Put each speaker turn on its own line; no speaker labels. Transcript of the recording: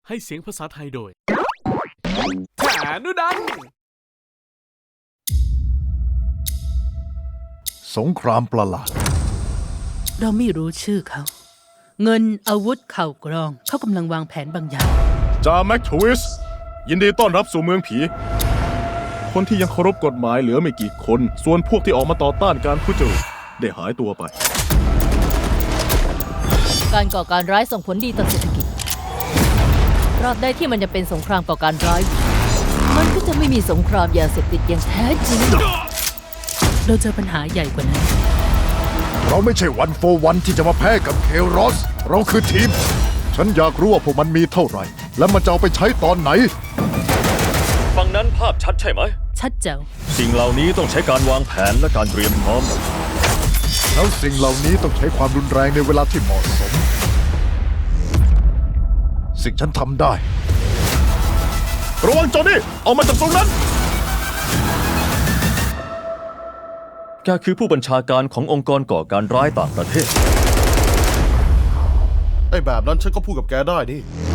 ให้เสียงภาษาไทยโดยฐานุดัน
สงครามประหลาด
เราไม่รู้ชื่อเขา เงินอาวุธข่าวกรองเขากำลังวางแผนบางอย่าง
จ่าแม็กทวิสยินดีต้อนรับสู่เมืองผี คนที่ยังเคารพกฎหมายเหลือไม่กี่คน ส่วนพวกที่ออกมาต่อต้านการทุจริตได้หายตัวไป
การก่อการร้ายส่งผลดีต่อเศรษฐกิจตราบใดที่มันจะเป็นสงครามก่อการร้าย มันก็จะไม่มีสงครามยาเสพติดอย่างแท้จริง
เราเจอปัญหาใหญ่กว่านั้น
เราไม่ใช่วันโฟวันที่จะมาแพ้กับเคโรสเราคือทีม ฉันอยากรู้ว่าพวกมันมีเท่าไหร่ และมันจะเอาไปใช้ตอนไหน
ฝั่งนั้นภาพชัดใช่ไหม
ชัดเจ๋ว
สิ่งเหล่านี้ต้องใช้การวางแผนและการเตรียมพร้อม
แล้วสิ่งเหล่านี้ต้องใช้ความรุนแรงในเวลาที่เหมาะสม สิ่งฉันทำได้
ระวังจอห์นนี่ออกมาจากตรงนั้น
แกคือผู้บัญชาการขององค์กรก่อการร้ายต่างประเทศ
ไอ้แบบนั้นฉันก็พูดกับแกได้ดิ